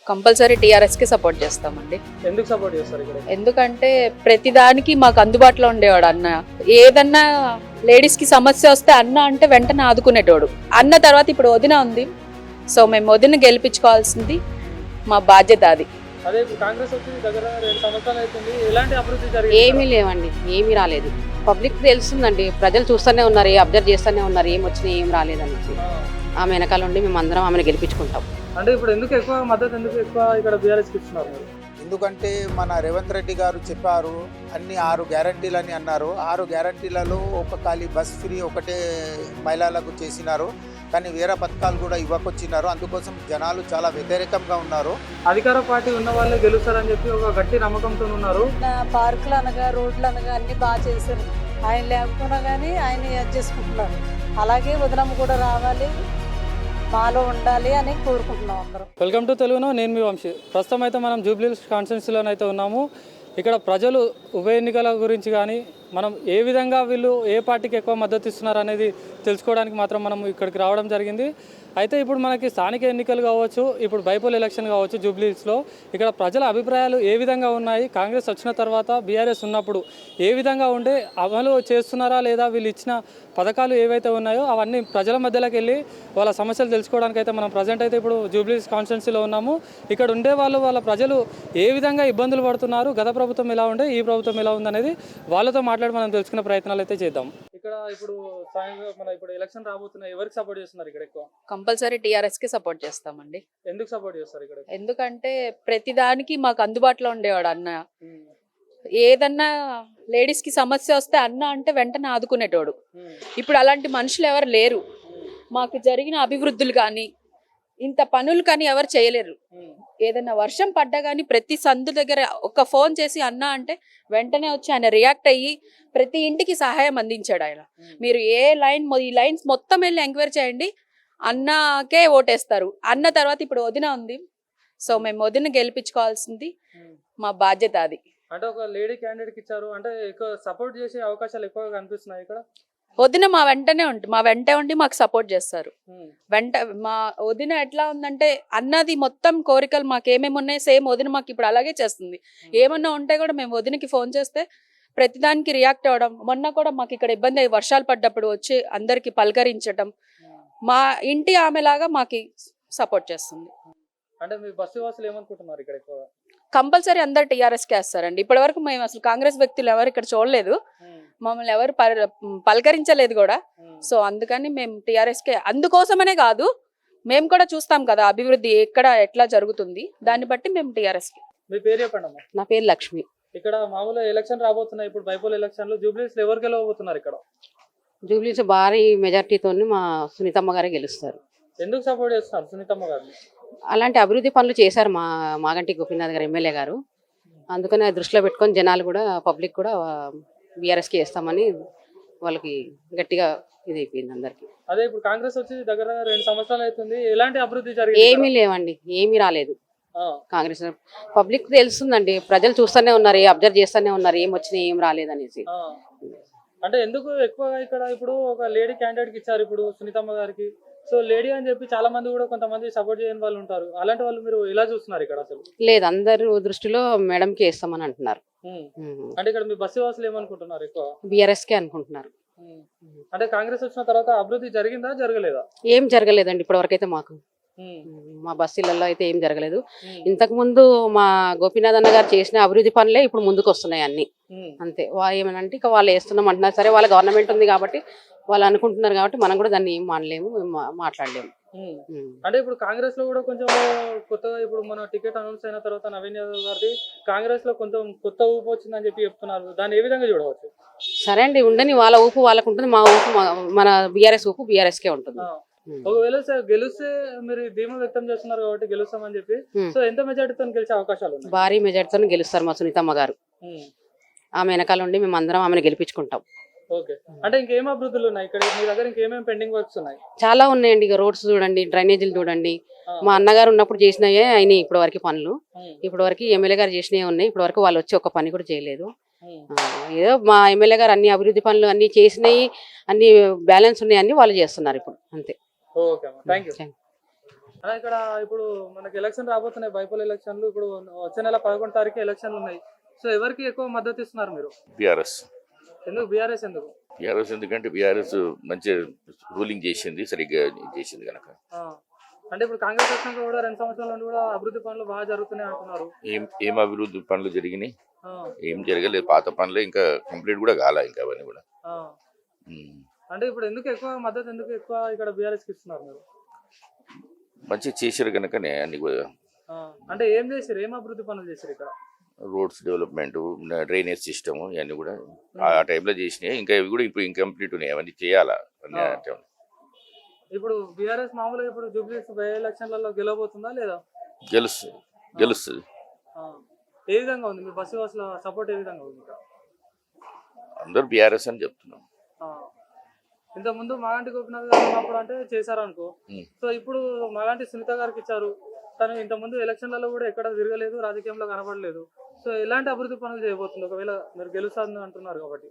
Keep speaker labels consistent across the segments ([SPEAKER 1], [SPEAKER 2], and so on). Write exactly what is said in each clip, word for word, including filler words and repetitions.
[SPEAKER 1] Compulsory TRS కి support చేస్తామండి.
[SPEAKER 2] ఎందుకు సపోర్ట్ చేస్తారు ఇక్కడ?
[SPEAKER 1] ఎందుకంటే ప్రతిదానికి మాకు అందుబాటులో ఉండేవాడు అన్న. ఏదన్నా లేడీస్ కి సమస్య వస్తే అన్న అంటే వెంటనే ఆదుకునేటోడు. అన్న తర్వాత ఇప్పుడు వదిన ఉంది, సో మేము వదిన గెలిపించుకోవాల్సింది మా బాధ్యత. అది
[SPEAKER 2] అదే ఇప్పుడు కాంగ్రెస్ వచ్చి దగ్గర రెండు సంవత్సరాలు అవుతుంది, ఎలాంటి అభివృద్ధి జరిగింది?
[SPEAKER 3] ఏమీ లేవండి, ఏమీ రాలేదు. పబ్లిక్ తెలుస్తుందండి, ప్రజలు చూస్తూనే ఉన్నారు, అబ్జర్వ్ చేస్తూనే ఉన్నారు, ఏం వచ్చినా ఏం రాలేదనేసి. ఆమె వెనకాల ఉండి మేము అందరం ఆమెను గెలిపించుకుంటాం.
[SPEAKER 2] అంటే ఇప్పుడు ఎందుకు ఎక్కువ మద్దతు ఎందుకు ఎక్కువ ఇక్కడ బీఆర్ఎస్ కి ఇస్తున్నారు మీరు?
[SPEAKER 4] ఎందుకంటే మన రేవంత్ రెడ్డి గారు చెప్పారు, అన్ని ఆరు గ్యారంటీలని అన్నారు. ఆరు గ్యారంటీలలో ఒక ఖాళీ బస్ ఫ్రీ ఒకటే మహిళలకు చేసినారు, కానీ వేరే పథకాలు కూడా ఇవ్వకొచ్చినారు. అందుకోసం జనాలు చాలా వ్యతిరేకంగా ఉన్నారు.
[SPEAKER 2] అధికార పార్టీ ఉన్న వాళ్ళే గెలుస్తారని చెప్పి ఒక గట్టి నమ్మకంతో ఉన్నారు.
[SPEAKER 5] పార్కులు అనగా రోడ్లు అనగా అన్ని బాగా చేశారు. ఆయన లేకపోయినా కానీ ఆయన యాడ్ చేసుకుంటున్నారు. అలాగే వదినమ్మ కూడా రావాలి, మాలో ఉండాలి అని కోరుకుంటున్నాం అందరం.
[SPEAKER 2] వెల్కమ్ టు తెలుగును, నేను మీ వంశీ. ప్రస్తుతం అయితే మనం జూబ్లీ హిల్స్ కాన్స్టిట్యున్సీలోనైతే ఉన్నాము. ఇక్కడ ప్రజలు ఉప ఎన్నికల గురించి కానీ మనం ఏ విధంగా వీళ్ళు ఏ పార్టీకి ఎక్కువ మద్దతు ఇస్తున్నారు అనేది తెలుసుకోవడానికి మాత్రం మనం ఇక్కడికి రావడం జరిగింది. అయితే ఇప్పుడు మనకి స్థానిక ఎన్నికలు కావచ్చు, ఇప్పుడు బైపోల్ ఎలక్షన్ కావచ్చు జూబ్లీ హిల్స్లో, ఇక్కడ ప్రజల అభిప్రాయాలు ఏ విధంగా ఉన్నాయి, కాంగ్రెస్ వచ్చిన తర్వాత బీఆర్ఎస్ ఉన్నప్పుడు ఏ విధంగా ఉండే, అమలు చేస్తున్నారా లేదా, వీళ్ళు ఇచ్చిన పథకాలు ఏవైతే ఉన్నాయో అవన్నీ ప్రజల మధ్యలోకి వెళ్ళి వాళ్ళ సమస్యలు తెలుసుకోవడానికి అయితే మనం ప్రజెంట్ అయితే ఇప్పుడు జూబ్లీ హిల్స్ కాన్స్టిట్యున్సీలో ఉన్నాము. ఇక్కడ ఉండే వాళ్ళు వాళ్ళ ప్రజలు ఏ విధంగా ఇబ్బందులు పడుతున్నారు, గత ప్రభుత్వం ఎలా ఉండే, ఈ ప్రభుత్వం ఎలా ఉందనేది వాళ్ళతో మాట్లాడి మనం తెలుసుకునే ప్రయత్నాలు అయితే చేద్దాం. ఇక్కడ ఇప్పుడు మన ఇప్పుడు ఎలక్షన్ రాబోతున్నాయి, ఎవరికి సపోర్ట్ చేస్తున్నారు ఇక్కడ ఎక్కువ?
[SPEAKER 1] కంపల్సరీ టీఆర్ఎస్ కి సపోర్ట్ చేస్తామండి.
[SPEAKER 2] ఎందుకు సపోర్ట్ చేస్తారు ఇక్కడ?
[SPEAKER 1] ఎందుకంటే ప్రతిదానికి మాకు అందుబాటులో ఉండేవాడు అన్న. ఏదన్నా లేడీస్ కి సమస్య వస్తే అన్న అంటే వెంటనే ఆదుకునేటోడు. ఇప్పుడు అలాంటి మనుషులు ఎవరు లేరు. మాకు జరిగిన అభివృద్ధులు కానీ ఇంత పనులు కానీ ఎవరు చేయలేరు. ఏదైనా వర్షం పడ్డా కానీ ప్రతి సందు దగ్గర ఒక ఫోన్ చేసి అన్న అంటే వెంటనే వచ్చి ఆయన రియాక్ట్ అయ్యి ప్రతి ఇంటికి సహాయం అందించాడు ఆయన. మీరు ఏ లైన్ ఈ లైన్స్ మొత్తం వెళ్ళి ఎంక్వైరీ చేయండి, అన్నకే ఓటేస్తారు. అన్న తర్వాత ఇప్పుడు వదిన ఉంది, సో మేము వదిన గెలిపించుకోవాల్సింది మా బాధ్యత. అది
[SPEAKER 2] అంటే ఒక లేడీ క్యాండిడేట్ ఇచ్చారు అంటే ఎక్కువ సపోర్ట్ చేసే అవకాశాలు ఎక్కువగా కనిపిస్తున్నాయి ఇక్కడ.
[SPEAKER 1] వదిన మా వెంటనే ఉండి మా వెంట ఉండి మాకు సపోర్ట్ చేస్తారు. వెంట మా వదిన ఎట్లా ఉందంటే అన్నది మొత్తం కోరికలు మాకు ఏమేమి ఉన్నాయి సేమ్ వదిన మాకు ఇప్పుడు అలాగే చేస్తుంది. ఏమన్నా ఉంటే కూడా మేము వదినకి ఫోన్ చేస్తే ప్రతిదానికి రియాక్ట్ అవ్వడం. మొన్న కూడా మాకు ఇక్కడ ఇబ్బంది అయ్యి వర్షాలు పడ్డప్పుడు వచ్చి అందరికి పలకరించడం, మా ఇంటి ఆమెలాగా మాకు సపోర్ట్ చేస్తుంది.
[SPEAKER 2] అంటే మీ బస్సు వాసులు ఏమనుకుంటున్నారు ఇక్కడ ఎక్కువగా?
[SPEAKER 1] కంపల్సరీ అందరు టీఆర్ఎస్ కే వేస్తారండి. ఇప్పటి వరకు మేము అసలు కాంగ్రెస్ వ్యక్తులు ఎవరు ఇక్కడ చూడలేదు, మమ్మల్ని ఎవరు పలకరించలేదు కూడా. సో అందుకని మేము టీఆర్ఎస్ కే. అందుకోసమనే కాదు, మేము కూడా చూస్తాం కదా అభివృద్ధి ఎక్కడ ఎట్లా జరుగుతుంది, దాన్ని బట్టి మేము టీఆర్ఎస్ కే.
[SPEAKER 2] మీ పేరు చెప్పండి అమ్మా.
[SPEAKER 3] నా పేరు లక్ష్మి.
[SPEAKER 2] ఇక్కడ మామూలు ఎలక్షన్ రాబోతున్నాయి, ఇప్పుడు బైపోల్ ఎలక్షన్ లో జూబ్లీ హిల్స్ ఎవరు గెలవబోతున్నారు ఇక్కడ?
[SPEAKER 3] జూబ్లీ హిల్స్ భారీ మెజార్టీతో మా సునీతమ్మ గారే గెలుస్తారు.
[SPEAKER 2] ఎందుకు సపోర్ట్ చేస్తున్నారు సునీతమ్మ గారిని?
[SPEAKER 3] అలాంటి అభివృద్ధి పనులు చేశారు మా మాగంటి గోపీనాథ్ గారు ఎమ్మెల్యే గారు. అందుకని దృష్టిలో పెట్టుకొని జనాలు కూడా పబ్లిక్ కూడా బీఆర్ఎస్కి వేస్తామని వాళ్ళకి గట్టిగా ఇది అయిపోయింది అందరికి.
[SPEAKER 2] అదే ఇప్పుడు కాంగ్రెస్ వచ్చి దగ్గర రెండు సంవత్సరాలు అవుతుంది, ఎలాంటి అభివృద్ధి జరిగింది?
[SPEAKER 3] ఏమీ లేవండి, ఏమీ రాలేదు. కాంగ్రెస్ పబ్లిక్ తెలుస్తుందండి, ప్రజలు చూస్తూనే ఉన్నారు, అబ్జర్వ్ చేస్తూనే ఉన్నారు, ఏం వచ్చినా ఏం రాలేదనేసి.
[SPEAKER 2] అంటే ఎందుకు ఎక్కువగా ఇక్కడ ఇప్పుడు ఒక లేడీ క్యాండిడేట్ ఇచ్చారు ఇప్పుడు సునీతమ్మ గారికి, సో లేడీ అని చెప్పి చాలా మంది కూడా కొంతమంది సపోర్ట్ చేయని వాళ్ళు ఉంటారు. అలాంటి వాళ్ళు మీరు ఎలా చూస్తున్నారు ఇక్కడ? అసలు
[SPEAKER 3] లేదు, అందరు దృష్టిలో మేడంకి వేస్తామని అంటున్నారు.
[SPEAKER 2] అంటే ఇక్కడ మీ బస్సు వాసులు ఏమనుకుంటున్నారు ఎక్కువ?
[SPEAKER 3] బీఆర్ఎస్ కే అనుకుంటున్నారు.
[SPEAKER 2] అంటే కాంగ్రెస్ వచ్చిన తర్వాత అభివృద్ధి జరిగిందా జరగలేదా?
[SPEAKER 3] ఏం జరగలేదండి ఇప్పటి వరకు అయితే. మాకు మా బస్సులలో అయితే ఏం జరగలేదు. ఇంతకు ముందు మా గోపీనాథ్ అన్న గారు చేసిన అభివృద్ధి పనులే ఇప్పుడు ముందుకు వస్తున్నాయి అన్ని. అంతే, వాళ్ళు ఏమనంటే ఇక వాళ్ళు వేస్తున్నాం అంటున్నారు. సరే, వాళ్ళ గవర్నమెంట్ ఉంది కాబట్టి వాళ్ళు అనుకుంటున్నారు కాబట్టి మనం కూడా దాన్ని ఏం మానలేము, మాట్లాడలేము.
[SPEAKER 2] అంటే ఇప్పుడు కాంగ్రెస్ లో కూడా కొంచెం కొత్తగా ఇప్పుడు మన టికెట్ అనౌన్స్ అయిన తర్వాత నవీన్ యాదవ్ గారిది కాంగ్రెస్ లో కొంచెం కొత్త ఊపు వచ్చిందని చెప్పి చెప్తున్నారు. దాన్ని ఏ విధంగా చూడవచ్చు?
[SPEAKER 3] సరే అండి, ఉండని, వాళ్ళ ఊపు వాళ్ళకు ఉంటుంది, మా ఊపు మన బీఆర్ఎస్ ఊపు బీఆర్ఎస్ కే ఉంటుంది.
[SPEAKER 2] ఒకవేళ గెలిస్తే మీరు ధీమా వ్యక్తం చేస్తున్నారు కాబట్టి గెలుస్తామని చెప్పి, సో ఎంత మెజార్టీతో గెలిచే అవకాశాలు ఉన్నాయి?
[SPEAKER 3] భారీ మెజార్టీతో గెలుస్తారు మా సునీతమ్మ గారు. ఆమె వెనకాల ఉండి మేము అందరం ఆమెను గెలిపించుకుంటాం.
[SPEAKER 2] ఓకే, అంటే ఇంకేం అభివృద్ధులు ఉన్నాయి ఇక్కడ మీ దగ్గర? ఇంకేమేమి పెండింగ్ వర్క్స్ ఉన్నాయి?
[SPEAKER 3] చాలా ఉన్నాయండి. ఇక రోడ్స్ చూడండి, డ్రైనేజీలు చూడండి. మా అన్నగారు ఉన్నప్పుడు చేసినాయే అయినాయి ఇప్పటి వరకు పనులు. ఇప్పటి వరకు ఎమ్మెల్యే గారు చేసినవి ఉన్నాయి. ఇప్పటి వరకు వాళ్ళు వచ్చి ఒక పని కూడా చేయలేదు. ఏదో మా ఎమ్మెల్యే గారు అన్ని అభివృద్ధి పనులు అన్ని చేసినాయి, అన్ని బ్యాలెన్స్ ఉన్నాయి, అన్ని వాళ్ళు చేస్తున్నారు ఇప్పుడు. అంతే.
[SPEAKER 2] Okay, thank you. అలా ఇక్కడ ఇప్పుడు మనకి ఎలక్షన్ రాబోతున్నాయి, బైపోల్ ఎలక్షన్లు. ఇప్పుడు వచ్చే నెల పదకొండు తారీఖు ఎలక్షన్లు ఉన్నాయి. సో ఎవరికి ఎక్కువ మద్దతు ఇస్తున్నారు మీరు?
[SPEAKER 6] బీఆర్ఎస్.
[SPEAKER 2] ఎందుకు బీఆర్ఎస్ ఎందుకు?
[SPEAKER 6] బీఆర్ఎస్ ఎందుకంటే బీఆర్ఎస్ మంచి రూలింగ్ చేసింది, సరిగ్గా చేసింది కనుక.
[SPEAKER 2] ఆ, అంటే ఇప్పుడు కాంగ్రెస్ వచ్చినాక కూడా రెండు సంవత్సరాల నుండి కూడా అభివృద్ధి పనులు బాగా జరుగుతున్నాయి అంటున్నారు.
[SPEAKER 6] ఏం ఏం అభివృద్ధి పనులు జరిగినాయి?
[SPEAKER 2] ఆ,
[SPEAKER 6] ఏం జరగలేదు. పాత పనులే ఇంకా కంప్లీట్ కూడా కాలే, ఇంకా అవన్నీ కూడా.
[SPEAKER 2] ఆ.
[SPEAKER 6] ఉమ్.
[SPEAKER 2] అంటే ఇప్పుడు ఎందుకు ఎక్కువ మద్దతు ఎందుకు ఎక్కువ ఇక్కడ బీఆర్ఎస్కి ఇస్తున్నారు మీరు?
[SPEAKER 6] మంచిగా చేశారు కనుకనే అన్ని కూడా.
[SPEAKER 2] ఆ, అంటే ఏం చేశారు, ఏం అభివృద్ధి పనులు చేశారు ఇక్కడ?
[SPEAKER 6] రోడ్స్ డెవలప్మెంట్, డ్రైనేజ్ సిస్టమ్ ఇవన్నీ కూడా ఆ టైంలో చేసినాయి. ఇంకా ఇవి కూడా ఇప్పుడు ఇంకంప్లీట్ ఉన్నాయి, అవన్నీ చేయాలా అన్ని
[SPEAKER 2] ఆ.
[SPEAKER 6] ఆ time లో.
[SPEAKER 2] ఇప్పుడు బీఆర్ఎస్ మామూలుగా ఇప్పుడు జూబ్లీస్ బై ఎలక్షన్లలో గెలవబోతుందా లేదా?
[SPEAKER 6] గెలుస్తుంది గెలుస్తుంది
[SPEAKER 2] ఆ. ఏ విధంగా ఉంది మీ బస్సు వాసుల సపోర్ట్, ఏ విధంగా ఉంది ఇక్కడ?
[SPEAKER 6] అందరూ బీఆర్ఎస్ అని చెప్తున్నాం.
[SPEAKER 2] ఆ. ఇంతకుముందు మాలాంటి గోపినాథ్ గారు ఉన్నప్పుడు అంటే చేశారు అనుకో.
[SPEAKER 6] ఉమ్.
[SPEAKER 2] సో ఇప్పుడు మాలాంటి సునీత గారికి ఇచ్చారు. తను ఇంతకుముందు ఎలక్షన్లలో కూడా ఎక్కడ తిరగలేదు, రాజకీయంలో కనబడలేదు. సో ఎలాంటి అభివృద్ధి పనులు చేయబోతుంది ఒకవేళ మీరు గెలుస్తారని అంటున్నారు కాబట్టి?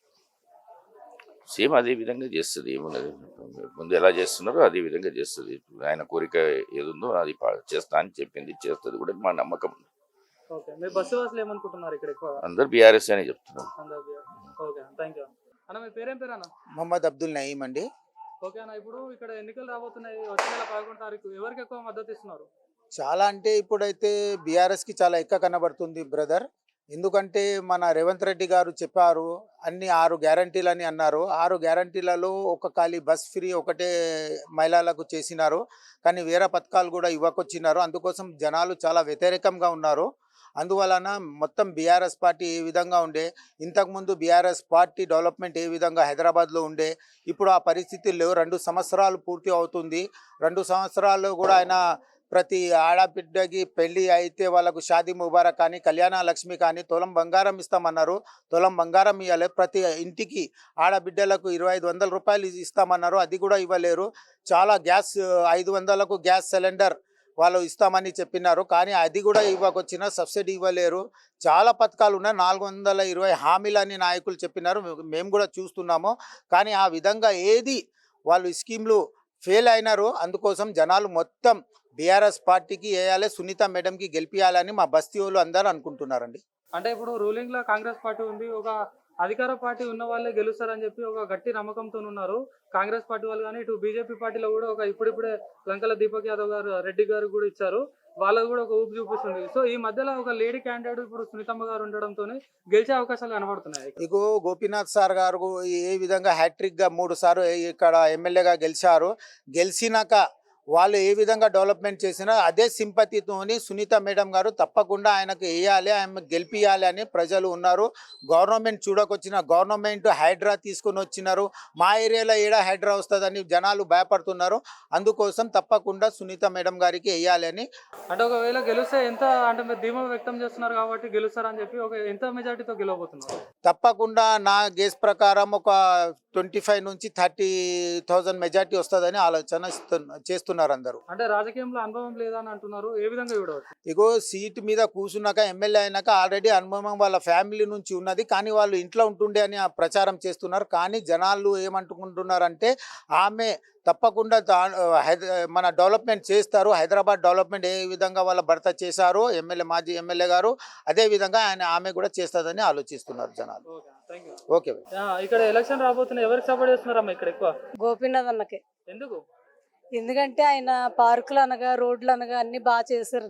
[SPEAKER 6] సేమ్ అదే విధంగా చేస్తుంది, ఏమున్నది. ముందు ఎలా చేస్తున్నారో అదే విధంగా చేస్తుంది. ఆయన కోరిక ఏదుందో అది పా- చేస్తా అని చెప్పింది, చేస్తుంది కూడా, మా నమ్మకం.
[SPEAKER 2] ఓకే, మీ బస్సు వాసులు ఏమనుకుంటున్నారు ఇక్కడ ఎక్కువ?
[SPEAKER 6] అందరు బీఆర్ఎస్ అని చెప్తున్నారు.
[SPEAKER 2] అందరూ బీఆర్. ఓకే, థ్యాంక్ యూ అన్న. మీ పేరేం పేరు అన్న?
[SPEAKER 4] మొహమ్మద్ అబ్దుల్ నయీం అండి.
[SPEAKER 2] ఓకే అన్న, ఇప్పుడు ఇక్కడ ఎన్నికలు రాబోతున్నాయి, వచ్చే నెల పదకొండు తారీఖు. ఎవరికి ఎక్కువ మద్దతు ఇస్తున్నారు?
[SPEAKER 4] చాలా అంటే ఇప్పుడైతే బీఆర్ఎస్కి చాలా ఎక్కువ కనబడుతుంది బ్రదర్. ఎందుకంటే మన రేవంత్ రెడ్డి గారు చెప్పారు, అన్ని ఆరు గ్యారంటీలని అన్నారు. ఆరు గ్యారంటీలలో ఒక ఖాళీ బస్ ఫ్రీ ఒకటే మహిళలకు చేసినారు, కానీ వేరే పథకాలు కూడా ఇవ్వకొచ్చినారు. అందుకోసం జనాలు చాలా వ్యతిరేకంగా ఉన్నారు. అందువలన మొత్తం బీఆర్ఎస్ పార్టీ ఏ విధంగా ఉండే, ఇంతకుముందు బీఆర్ఎస్ పార్టీ డెవలప్మెంట్ ఏ విధంగా హైదరాబాద్లో ఉండే, ఇప్పుడు ఆ పరిస్థితులు లేవు. రెండు సంవత్సరాలు పూర్తి అవుతుంది. రెండు సంవత్సరాలు కూడా ఆయన ప్రతి ఆడబిడ్డకి పెళ్ళి అయితే వాళ్ళకు షాదీ ముబారక్ కానీ, కళ్యాణ లక్ష్మి కానీ, తులం బంగారం ఇస్తామన్నారు. తులం బంగారం ఇవ్వలే. ప్రతి ఇంటికి ఆడబిడ్డలకు ఇరవై ఐదు వందల రూపాయలు ఇస్తామన్నారు, అది కూడా ఇవ్వలేరు. చాలా గ్యాస్ ఐదు వందలకు గ్యాస్ సిలిండర్ వాళ్ళు ఇస్తామని చెప్పినారు, కానీ అది కూడా ఇవ్వకొచ్చిన సబ్సిడీ ఇవ్వలేరు. చాలా పథకాలు ఉన్నాయి. నాలుగు వందల ఇరవై హామీలని నాయకులు చెప్పినారు, మేము కూడా చూస్తున్నాము. కానీ ఆ విధంగా ఏది వాళ్ళు స్కీమ్లు ఫెయిల్ అయినారు. అందుకోసం జనాలు మొత్తం బీఆర్ఎస్ పార్టీకి వేయాలి, సునీత మేడంకి గెలిపియాలని మా బస్తీ వాళ్ళు అందరూ అనుకుంటున్నారండి.
[SPEAKER 2] అంటే ఇప్పుడు రూలింగ్ లో కాంగ్రెస్ పార్టీ ఉంది, ఒక అధికార పార్టీ ఉన్న వాళ్ళే గెలుస్తారని చెప్పి ఒక గట్టి నమ్మకంతో ఉన్నారు కాంగ్రెస్ పార్టీ వాళ్ళు. కానీ ఇటు బీజేపీ పార్టీలో కూడా ఒక ఇప్పుడిప్పుడే లంకల దీపక్ యాదవ్ గారు, రెడ్డి గారు కూడా ఇచ్చారు, వాళ్ళకు కూడా ఒక ఊపు చూపిస్తుంది. సో ఈ మధ్యలో ఒక లేడీ క్యాండిడేట్ ఇప్పుడు సునీతమ్మ గారు ఉండడంతో గెలిచే అవకాశాలు కనబడుతున్నాయి.
[SPEAKER 4] ఇగో గోపీనాథ్ సార్ గారు ఏ విధంగా హ్యాట్రిక్గా మూడు సార్లు ఇక్కడ ఎమ్మెల్యేగా గెలిచారు. గెలిచినాక వాళ్ళు ఏ విధంగా డెవలప్మెంట్ చేసినా అదే సింపతితోని సునీత మేడం గారు తప్పకుండా ఆయనకు వేయాలి, ఆయన గెలిపియాలి అని ప్రజలు ఉన్నారు. గవర్నమెంట్ చూడకొచ్చిన గవర్నమెంట్ హైడ్రా తీసుకొని వచ్చినారు. మా ఏరియాలో ఏడా హైడ్రా వస్తుందని జనాలు భయపడుతున్నారు. అందుకోసం తప్పకుండా సునీత మేడం గారికి వేయాలి అని.
[SPEAKER 2] అంటే ఒకవేళ గెలిస్తే ఎంత, అంటే మీరు ధీమా వ్యక్తం చేస్తున్నారు కాబట్టి గెలుస్తారని చెప్పి ఒక ఎంత మెజార్టీతో గెలవబోతున్నారు?
[SPEAKER 4] తప్పకుండా నా గేస్ ప్రకారం ఒక ట్వంటీ ఫైవ్ నుంచి థర్టీ థౌజండ్ మెజార్టీ వస్తుందని ఆలోచన చేస్తున్నారు అందరూ.
[SPEAKER 2] అంటే రాజకీయంలో అనుభవం లేదా అని అంటున్నారు, ఏ విధంగా చూడవచ్చు?
[SPEAKER 4] ఇగో సీట్ మీద కూర్చున్నాక ఎమ్మెల్యే అయినాక ఆల్రెడీ అనుభవం వాళ్ళ ఫ్యామిలీ నుంచి ఉన్నది, కానీ వాళ్ళు ఇంట్లో ఉంటుండే అని ఆ ప్రచారం చేస్తున్నారు. కానీ జనాలు ఏమంటుకుంటున్నారంటే ఆమె తప్పకుండా హైద మన డెవలప్మెంట్ చేస్తారు, హైదరాబాద్ డెవలప్మెంట్ ఏ విధంగా వాళ్ళ భర్త చేశారో ఎమ్మెల్యే మాజీ ఎమ్మెల్యే గారు, అదే విధంగా ఆయన ఆమె కూడా చేస్తుందని ఆలోచిస్తున్నారు జనాలు. ఓకే,
[SPEAKER 2] ఇక్కడ ఎలక్షన్ రాబోతున్నాయి, ఎవరికి సపోర్ట్ చేస్తున్నారమ్మా ఇక్కడ ఎక్కువ?
[SPEAKER 5] గోపీనాథ్ అన్నకే.
[SPEAKER 2] ఎందుకు?
[SPEAKER 5] ఎందుకంటే ఆయన పార్కులు అనగా రోడ్లు అనగా అన్ని బాగా చేశారు,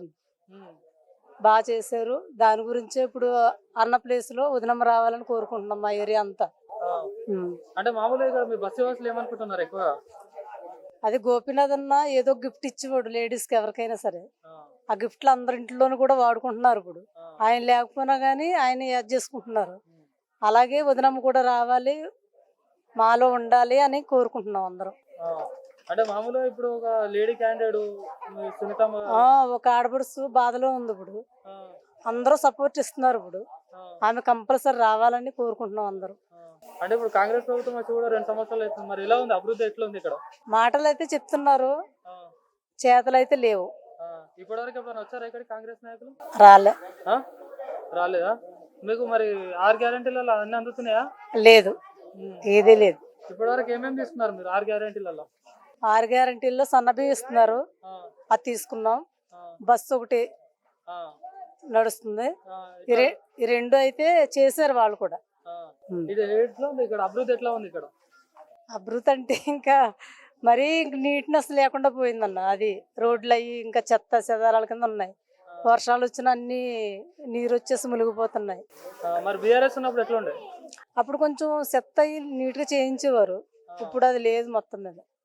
[SPEAKER 5] బాగా చేశారు. దాని గురించే ఇప్పుడు అన్న ప్లేస్ లో ఉదయం రావాలని కోరుకుంటున్నాం మా ఏరియా అంతా. ఉమ్.
[SPEAKER 2] అంటే మామూలుగా ఇక్కడ మీ బస్సు వాసులు ఏమనుకుంటున్నారు ఎక్కువ?
[SPEAKER 5] అది గోపీనాథ్ అన్న ఏదో గిఫ్ట్ ఇచ్చేవాడు లేడీస్ కి ఎవరికైనా సరే. ఆ గిఫ్ట్లు అందరి ఇంట్లోనూ కూడా వాడుకుంటున్నారు. ఇప్పుడు ఆయన లేకపోయినా కానీ ఆయన యాడ్ చేసుకుంటున్నారు. అలాగే వదినమ్మ కూడా రావాలి, మాలో ఉండాలి అని కోరుకుంటున్నాం అందరం.
[SPEAKER 2] అంటే మామూలుగా ఇప్పుడు ఒక లేడీ క్యాండిడేట్ సునీతమ్మ
[SPEAKER 5] ఆ ఒక ఆడపడుచు బాధలో ఉంది. ఇప్పుడు అందరూ సపోర్ట్ ఇస్తున్నారు. ఇప్పుడు ఆమె కంపల్సరీ రావాలని కోరుకుంటున్నాం అందరూ.
[SPEAKER 2] అంటే ఇప్పుడు కాంగ్రెస్ ప్రభుత్వం వచ్చి కూడా రెండు సంవత్సరాలు అవుతుంది, మరి ఎలా ఉంది అభివృద్ధి, ఎట్లా ఉంది ఇక్కడ?
[SPEAKER 5] మాటలు అయితే చెప్తున్నారు, చేతలు అయితే లేవు.
[SPEAKER 2] ఇప్పటివరకు ఎప్పుడైనా వచ్చారా ఇక్కడ కాంగ్రెస్ నాయకులు?
[SPEAKER 5] రాలే.
[SPEAKER 2] రాలేదా? మీకు మరి ఆరు గ్యారెంటీలలో అన్ని అందుతున్నాయా?
[SPEAKER 5] లేదు, ఏదీ లేదు.
[SPEAKER 2] ఇప్పటివరకు ఏమేమి తీసుకున్నారు మీరు ఆరు గ్యారెంటీలలో?
[SPEAKER 5] ఆరు గ్యారెంటీల్లో సన్నబియ్యం ఇస్తున్నారు, అది తీసుకున్నాం. బస్సు ఒకటి నడుస్తుంది. ఈ రె- ఈ రెండు అయితే చేశారు వాళ్ళు కూడా. ఉమ్.
[SPEAKER 2] ఇది ఎట్లా ఉంది ఇక్కడ అభివృద్ధి ఎట్లా ఉంది ఇక్కడ?
[SPEAKER 5] అభివృద్ధి అంటే ఇంకా మరీ నీట్నెస్ లేకుండా పోయిందన్న. అది రోడ్లు అయ్యి ఇంకా చెత్త చెదారాల కింద ఉన్నాయి. వర్షాలు వచ్చిన అన్ని నీరు వచ్చేసి మునిగిపోతున్నాయి.
[SPEAKER 2] ఆ, మరి బీఆర్ఎస్ ఉన్నప్పుడు ఎట్లా ఉండే?
[SPEAKER 5] అప్పుడు కొంచెం చెత్త అయ్యి నీట్గా చేయించేవారు. ఇప్పుడు అది లేదు మొత్తం మీద.